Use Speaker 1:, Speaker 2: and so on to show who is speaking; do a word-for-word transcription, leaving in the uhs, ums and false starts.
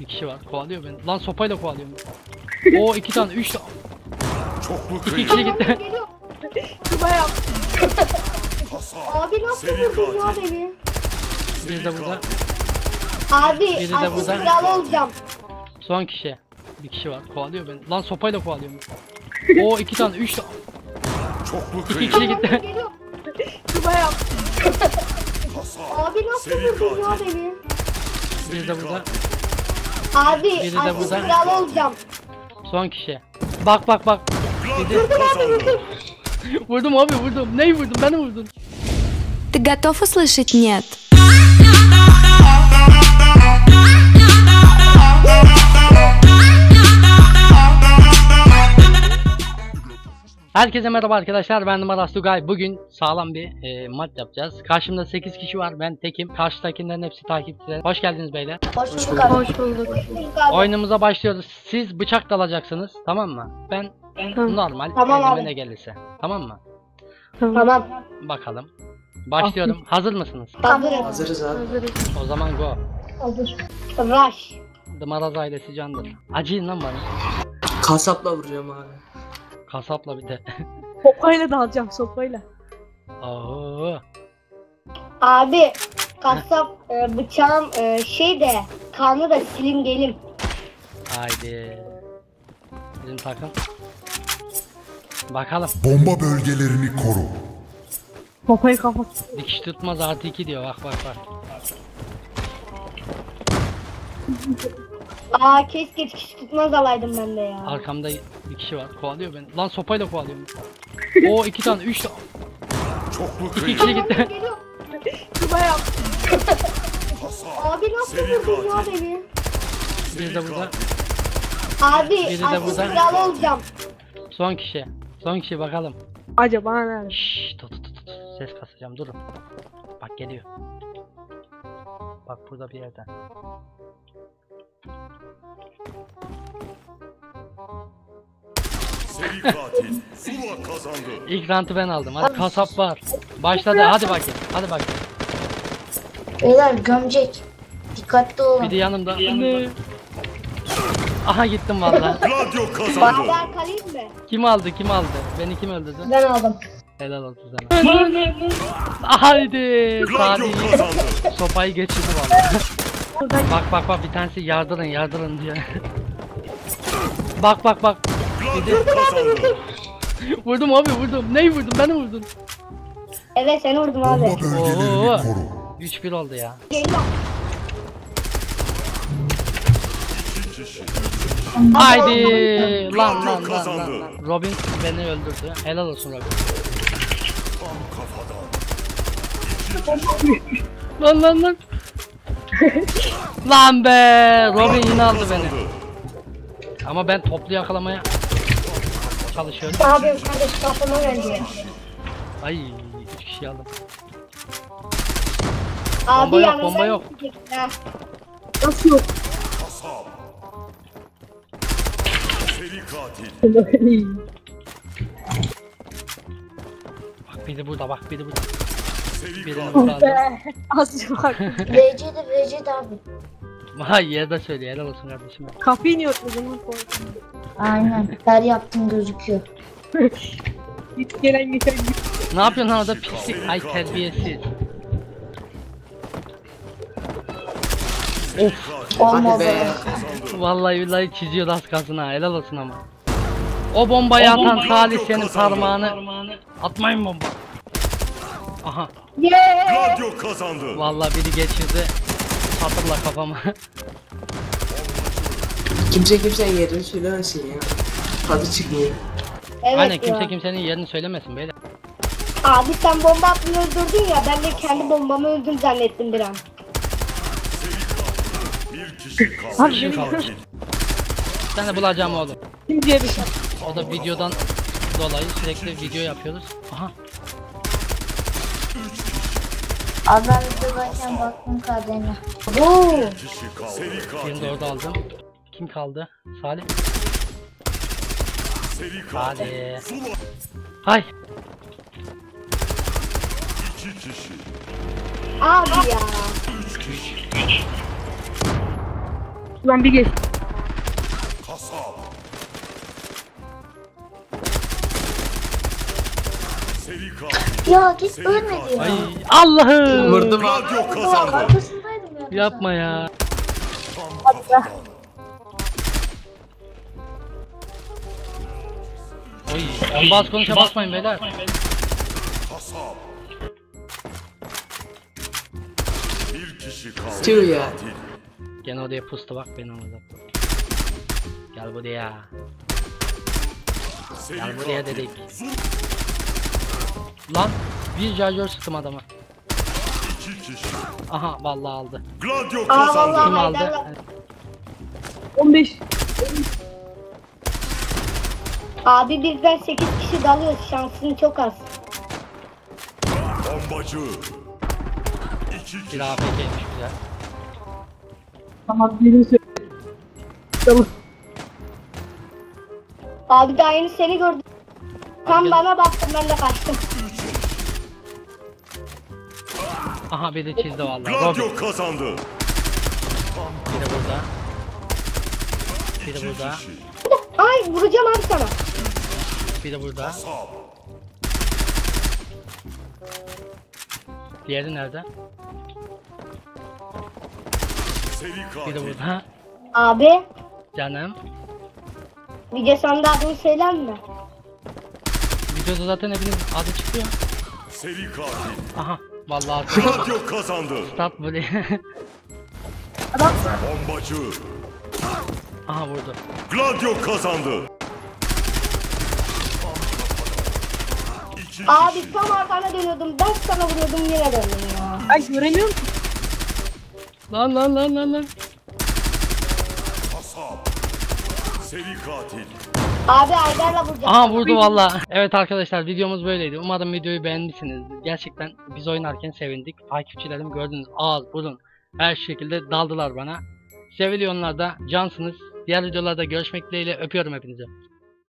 Speaker 1: Bir kişi var. Kovalıyor beni. Lan sopayla kovalıyor beni. Oo iki tane, üç tane. İki kişi gitti.
Speaker 2: Bayağı. Abi nasıl vurdun ya beni?
Speaker 1: Bir de burada.
Speaker 2: Abi
Speaker 1: Biri de
Speaker 2: artık
Speaker 1: burada.
Speaker 2: kral olacağım.
Speaker 1: Son kişi. Bir kişi var. Kovalıyor beni. Lan sopayla kovalıyor beni. Oo iki tane, üç tane. İki kişi gitti.
Speaker 2: Bayağı. Abi nasıl vurdun ya beni?
Speaker 1: Bir de burada.
Speaker 2: Abi
Speaker 1: Biri de
Speaker 2: artık
Speaker 1: burada.
Speaker 2: kral olacağım.
Speaker 1: Son kişi. Bak bak bak. Bir de-
Speaker 2: Vurdum abi vurdum.
Speaker 1: Vurdum abi vurdum. Neyi vurdum? Beni vurdun.
Speaker 3: Ты готов услышать «нет»?
Speaker 1: Herkese merhaba arkadaşlar, ben Maras Tugay. Bugün sağlam bir e, maç yapacağız. Karşımda sekiz kişi var, ben tekim. Karşıdakilerin hepsi takipçiler. Hoş geldiniz beyler.
Speaker 2: Hoş bulduk abi.
Speaker 3: Hoş bulduk.
Speaker 2: Abi.
Speaker 1: Oyunumuza başlıyoruz. Siz bıçak dalacaksınız, tamam mı? Ben normal,
Speaker 2: Tamam
Speaker 1: elime
Speaker 2: abi.
Speaker 1: ne gelirse. Tamam mı?
Speaker 2: Tamam.
Speaker 1: Bakalım. Başlıyorum. Hazır mısınız?
Speaker 2: Hazırım.
Speaker 4: Hazırız abi.
Speaker 1: O zaman go.
Speaker 2: Hazır. Rush.
Speaker 1: The Maraz ailesi candır. Acıyın lan bana.
Speaker 4: Kasapla vuracağım abi.
Speaker 1: Kasapla bir de.
Speaker 5: Sopayla da alacağım sopayla.
Speaker 1: Oo.
Speaker 2: Abi kasap e, bıçağım e, şey de kanı da silim gelim.
Speaker 1: Haydi. Bizim takım. Bakalım.
Speaker 6: Bomba bölgelerini koru.
Speaker 5: Sopayı kapat.
Speaker 1: Dikiş tutmaz artı iki diyor. Bak bak bak.
Speaker 2: Aa keşke dikiş tutmaz alaydım ben de ya.
Speaker 1: Arkamda bir kişi var. Kovalıyor beni. Lan sopayla kovalıyor beni. Oo iki tane, üç tane. İki kişi gitti.
Speaker 2: Bayağı. Abi nasıl vurdun ya beni?
Speaker 1: Bir de burada.
Speaker 2: Abi
Speaker 1: Biri de
Speaker 2: artık
Speaker 1: burada.
Speaker 2: kral olacağım.
Speaker 1: Son kişi. Son kişi bakalım.
Speaker 5: Acaba nerede?
Speaker 1: Şşş tut tut tut tut. Ses kasacağım, durun. Bak geliyor. Bak burada bir yerden.
Speaker 7: Seri katil Zula kazandı.
Speaker 1: İlk rantı ben aldım. Hadi kasap var. Başladı. Hadi bakayım. Hadi bakayım.
Speaker 8: Beyler gömecek. Dikkatli olun.
Speaker 1: Biri yanımda. Aha gittim vallahi.
Speaker 7: Gladio kazandı.
Speaker 2: Beraber kalayım mı?
Speaker 1: Kim aldı? Kim aldı? Beni kim öldürdü?
Speaker 2: Ben aldım.
Speaker 1: Helal olsun sana. Haydi.
Speaker 7: Gladio
Speaker 1: Salih.
Speaker 7: kazandı.
Speaker 1: Sopayı geçirdi vallahi. Bak bak bak, bir tanesi yardırın yardırın diyor. Bak bak bak.
Speaker 7: Gladio kazandı.
Speaker 1: Vurdum abi vurdum. Neyi vurdum? Beni vurdun.
Speaker 2: Evet seni vurdum
Speaker 6: Bomba
Speaker 2: abi.
Speaker 6: bölgelerini
Speaker 1: Oo.
Speaker 6: koru.
Speaker 1: üç bir oldu ya.
Speaker 2: Geliyor.
Speaker 1: Haydi. Lan lan lan
Speaker 7: kazandı.
Speaker 1: lan lan. Robin beni öldürdü. Helal olsun Robin. Lan lan lan. Lan be. Robin yine aldı beni. Ama ben toplu yakalamaya çalışıyorum.
Speaker 2: Abi kardeş kafama geldi.
Speaker 1: Ay üç kişi aldım.
Speaker 2: Abi
Speaker 1: Bomba yok,
Speaker 2: yanımdan
Speaker 1: bomba yok.
Speaker 2: gidecek ha.
Speaker 5: Nasıl yok?
Speaker 7: Seri katil.
Speaker 1: Bak biri burada, bak biri burada.
Speaker 7: Seri
Speaker 1: Birini
Speaker 7: katil.
Speaker 1: burada aldım.
Speaker 5: Azıcık bak.
Speaker 8: V C'de V C'de abi.
Speaker 1: Vay yerde söylüyor, helal olsun kardeşim.
Speaker 5: Kapıyı niye örtmedin?
Speaker 8: Aynen. Her yaptığın gözüküyor.
Speaker 5: Git gelen geçen git.
Speaker 1: Ne yapıyorsun lan orada pislik? Ay terbiyesiz. Of.
Speaker 8: Olmaz.
Speaker 4: Hadi be.
Speaker 1: Vallahi billahi çiziyor az kalsın ha, helal olsun ama. O bombayı atan Salih senin parmağını. Atmayın bomba. Aha.
Speaker 7: Gladio kazandı.
Speaker 1: Vallahi biri geçirdi. Hatırla kafama.
Speaker 4: Kimse kimsenin yerini söylemesin ya. Tadı çıkmıyor.
Speaker 2: Evet
Speaker 1: Aynen,
Speaker 2: ya.
Speaker 1: kimse kimsenin yerini söylemesin beyler.
Speaker 2: Abi sen bomba atmayı öldürdün ya, ben de kendi bombamı öldüm zannettim bir an.
Speaker 7: Bir kişi kaldı.
Speaker 1: Bir şey kaldı. Sen de bulacağım oğlum.
Speaker 5: Kim diye bir şey.
Speaker 1: O da videodan dolayı sürekli video yapıyoruz. Aha.
Speaker 8: Abi ben videodayken baktım kaderine.
Speaker 2: Oo.
Speaker 7: Kişi kaldı. Seri
Speaker 1: Birini de
Speaker 7: katil.
Speaker 1: orada aldım. Kim kaldı? Salih.
Speaker 7: Seri katil.
Speaker 1: Hadi.
Speaker 7: Zula
Speaker 1: Hay.
Speaker 7: iki kişi.
Speaker 2: Abi ya.
Speaker 5: Ulan bir geç.
Speaker 7: Kasap. Seri katil.
Speaker 8: Ya git
Speaker 7: Seri
Speaker 8: ölmedi
Speaker 7: katil.
Speaker 8: ya.
Speaker 1: Ay Allah'ım.
Speaker 4: Vurdum abi.
Speaker 7: Gladio
Speaker 8: Ya,
Speaker 7: kazandı.
Speaker 8: arkasındaydım ya.
Speaker 1: Yapma ya.
Speaker 7: Tam kafadan.
Speaker 1: Oy. Bas konuşa basmayın beyler.
Speaker 7: Kasap. Bir kişi kaldı.
Speaker 4: Tüh ya.
Speaker 7: Katil.
Speaker 1: Gene oraya pustu bak beni orada. Gel buraya.
Speaker 7: Seri
Speaker 1: Gel buraya
Speaker 7: katil.
Speaker 1: dedik.
Speaker 7: Zul
Speaker 1: Lan bir charger sıktım adama.
Speaker 7: iki kişi.
Speaker 1: Aha vallahi aldı.
Speaker 7: Gladio
Speaker 2: Aa
Speaker 7: kazandı.
Speaker 1: Kim
Speaker 2: vallahi
Speaker 1: aldı?
Speaker 2: Haydar'la.
Speaker 5: on beş.
Speaker 2: Abi bizden sekiz kişi dalıyoruz. Şansın çok az.
Speaker 7: Bombacı. İki
Speaker 1: Bir
Speaker 7: kişi.
Speaker 1: A F K'ymiş güzel.
Speaker 5: Tamam birini söyle. Tamam.
Speaker 2: Abi daha yeni seni gördüm. Tam
Speaker 1: gel.
Speaker 2: bana baktım ben de kaçtım.
Speaker 1: Aha biri çizdi vallahi. Robin.
Speaker 7: Gladio kazandı.
Speaker 1: Biri burada. Biri
Speaker 7: İki
Speaker 1: burada.
Speaker 7: kişi.
Speaker 2: Ay vuracağım abi sana.
Speaker 1: Biri burada.
Speaker 7: Kasap.
Speaker 1: Diğeri nerede?
Speaker 7: Seri
Speaker 1: Biri
Speaker 7: katil.
Speaker 1: burada.
Speaker 2: Abi
Speaker 1: Canım.
Speaker 2: video sonunda adını söyler mi?
Speaker 1: Videoda zaten hepiniz adı çıkıyor.
Speaker 7: Seri katil.
Speaker 1: Aha. Vallahi
Speaker 7: Gladio kazandı.
Speaker 1: stat buraya.
Speaker 7: Bombacı.
Speaker 1: Aha vurdu.
Speaker 7: Gladio kazandı. İki
Speaker 2: Abi
Speaker 7: kişi.
Speaker 2: tam arkana dönüyordum. Ben sana vuruyordum yine döndüm ya.
Speaker 5: Ay göremiyorum ki.
Speaker 1: Lan lan lan lan lan.
Speaker 7: Kasap. Seri katil.
Speaker 2: Abi Haydar'la vuracağım.
Speaker 1: Aha vurdu valla. Evet arkadaşlar videomuz böyleydi. Umarım videoyu beğenmişsinizdir. Gerçekten biz oynarken sevindik. Takipçilerim gördünüz ağız burun her şekilde daldılar bana. Seviliyorlar da cansınız. Diğer videolarda görüşmek dileğiyle öpüyorum hepinizi.